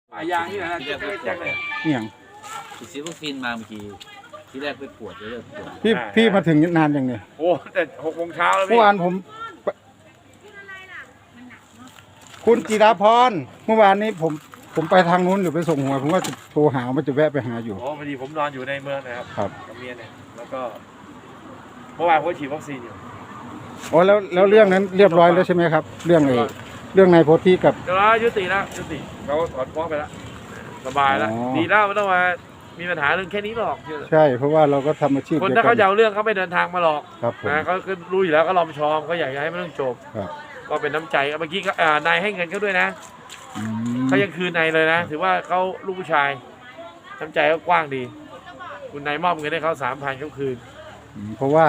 ป่ายางนี่แหละนะแจ็คเลยเนี่ยงฉีดวัคซีนมาเมื่อกี้ที่แรกไปปวดเริ่มปวดพี่มาถึงนานยังเนี่ยโอ้แต่6 โมงเช้าแล้วเมื่อวานผมคุณจิราพรเมื่อวานนี้ผมไปทางนู้นอยู่ไปส่งหัวผมว่าจะโทรหาว่าจะแวะไปหาอยู่โอ้พอดีผมนอนอยู่ในเมืองนะครับครับกับเมียเนี่ยแล้วก็เมื่อวานผมฉีดวัคซีนอยู่อ๋อแล้วเรื่องนั้นเรียบร้อยแล้วใช่ไหมครับ เรื่องนายโพธิกับเดี๋ยวเรายุติแล้วยุติเขาถอนฟ้องไปแล้วสบายแล้วอ๋อดีแล้วไม่ต้องมามีปัญหาเรื่องแค่นี้หรอกใช่เพราะว่าเราก็ทำอาชีพคนเดียวถ้ากัเขาจะเอาเรื่องเขาไม่เดินทางมาหรอกครับผมนะเขาก็รู้อยู่แล้วก็รอมชอมเขาอยากจะให้มันเรื่องจบครับก็เป็นน้ำใจเมื่อกี้ก็นายให้เงินเขาด้วยนะอืมเขายังคืนนายเลยนะถือว่าเขาลูกผู้ชายน้ำใจเขากว้างดี คุณนายมอบเงินให้เขา3,000เขาคืนเพราะ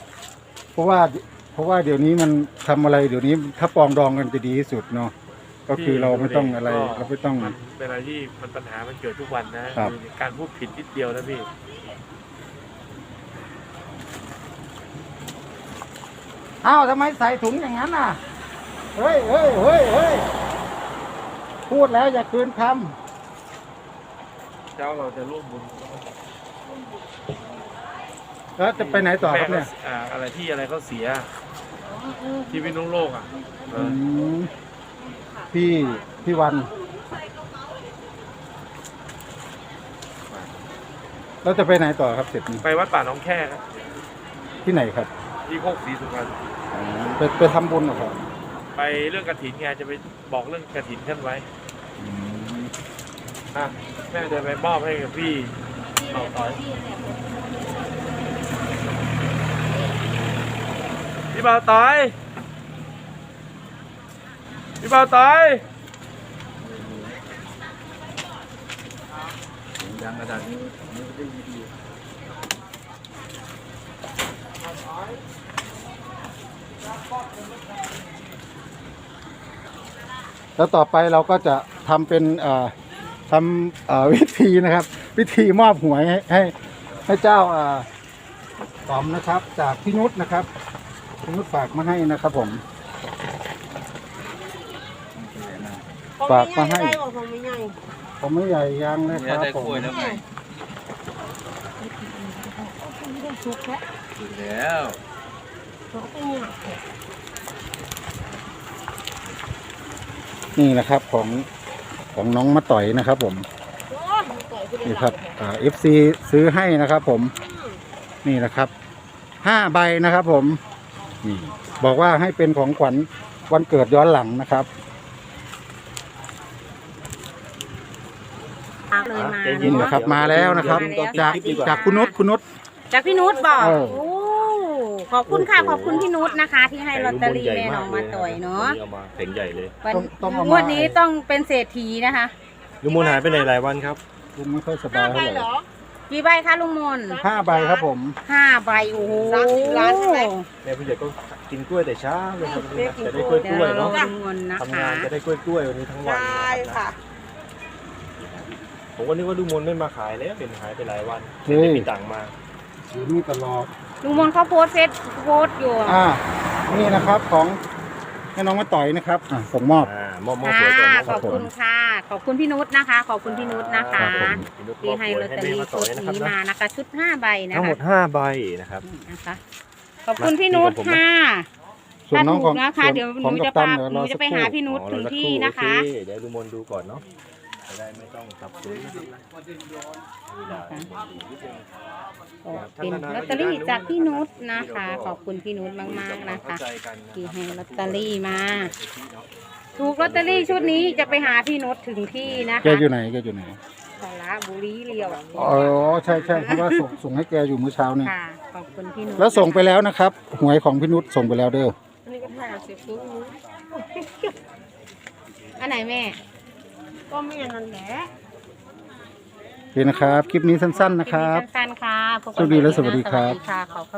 ว่าเดี๋ยวนี้มันทำอะไรเดี๋ยวนี้ถ้าปรองดองกันจะดีที่สุดเนาะก็คือเราไม่ต้องอะไรเราไม่ต้องมันเป็นอะไรที่มันปัญหามันเกิดทุกวันนะครับ คือการพูดผิดนิดเดียวนะพี่อ้าวทำไมใส่ถุงอย่างนั้นอ่ะเฮ้ยพูดแล้วอย่าคืนคเจ้าเราจะร่วมบุญำแล้วจะไปไหนต่อครับเนี่ยอะไรที่อะไรเขาเสียที่พิษณุโลกอ่ะเออมพี่วันแล้วจะไปไหนต่อครับเสร็จนี้ไปวัดป่าหนองแค่ครับที่ไหนครับที่โคกศรีสุพรรณไปทำบุญเหรอครับไปเรื่องกฐินไงจะไปบอกเรื่องกฐินท่านไว้แม่จะไปมอบให้กับพี่เป่าต่อยพี่เป่าต่อยพี่เป่าต่อยดังกระดาษนี้ไม่ได้ดีแล้วต่อไปเราก็จะทำเป็นทำวิธีนะครับ วิธีมอบหวยให้เจ้าต๋อมนะครับ จากพี่นุชนะครับพี่นุชฝากมาให้นะครับผม ฝากมาให้ ผมไม่ใหญ่ยังนะคเนี่ยรับได้ผมกล้วยแล้วไงถูกแล้วนี่นะครับของน้องมาต่อยนะครับผมนี่ครับFC ซื้อให้นะครับผมนี่นะครับ5 ใบนะครับผมนี่บอกว่าให้เป็นของขวัญวันเกิดย้อนหลังนะครับเลยมานี่นะครับมาแล้วนะครับจากคุณนุชจากพี่นุชบอกเออโอ้ขอบคุณค่ะขอบคุณพี่นุชนะคะ ที่ให้ลอตเตอรี่แม่น้องมาต่อยเนาะเอามาเพ่งใหญ่เลยวันต้องเอางมาวดนี้ต้องเป็นเศรษฐีนะคะลุงมนหายไปไหนหลายวันครับผมไม่ค่อยสบายเท่าไหร่กี่ใบคะลุงมน 5 ใบครับผม 5 ใบโอ้โห 30 ล้านใช่ไหมแม่ผู้ใหญ่ก็กินกล้วยแต่เช้าเลยครับเรียกกินจะได้กกล้ล้ว วย ยเดี๋กยวล้วยเราเนาะดูเงินนะทำคะงานจะได้กล้วยกล้วยวันนี้ทั้งวันใช่ค่ะผมก็นึกว่าลุงมนไม่มาขายแล้วเป็นหายไปหลายวันเฮ้ยไม่มีตังค์มาอยู่นี่ตลอดลุงมนเขาโพสต์อยู่นี่นะครับของให้น้องมาต่อยนะครับส่งมอบมอบค่ะสวยก่อนขอบคุณค่ะ ขอบคุณพี่นุชนะคะ ขอบคุณพี่นุชนะคะ ที่ให้ลอตเตอรี่ชุดนี้มานะคะ ชุด5 ใบนะทั้งหมคะด5 ใบนะครับนะคะขอบคุณพี่นุชค่ะส่วนน้องของถ้าถูกนะคะเดี๋ยวหนูจะกัปตัพานเดี๋ยวหนูรอจะสักไปครู่หาพี่นุชถึงที่นะคะโอเคเดี๋ยวลุงมนดูก่อนเนาะจะได้ไม่ต้องสับสนเวลาเป็นลอตเตอรี่จากพี่นุชนะคะ ขอบคุณพี่นุชมากๆนะคะ ที่ให้ลอตเตอรี่มา ถูกลอตเตอรี่ชุดนี้จะไปหาพี่นุชถึงที่นะแกคะอยู่ไหนแกอยู่ไหนสระบุรีเรียวอ๋อใช่เพราะว่าส่งให้แกอยู่เมื่อเช้านี่ค่ะ ขอบคุณพี่นุชแล้วส่งไปแล้วนะครับ หวยของพี่นุชส่งไปแล้วเด้ออันนี้ก็ถ่ายเสียบซุ้มอันไหนแม่ก็ไม่นั่นแหละโอเคนะครับ คลิปนี้สั้นๆนะครับสั้นๆค่ะพบกันสวัสดีและสวัสดีครับสวัสดีค่ะขอบ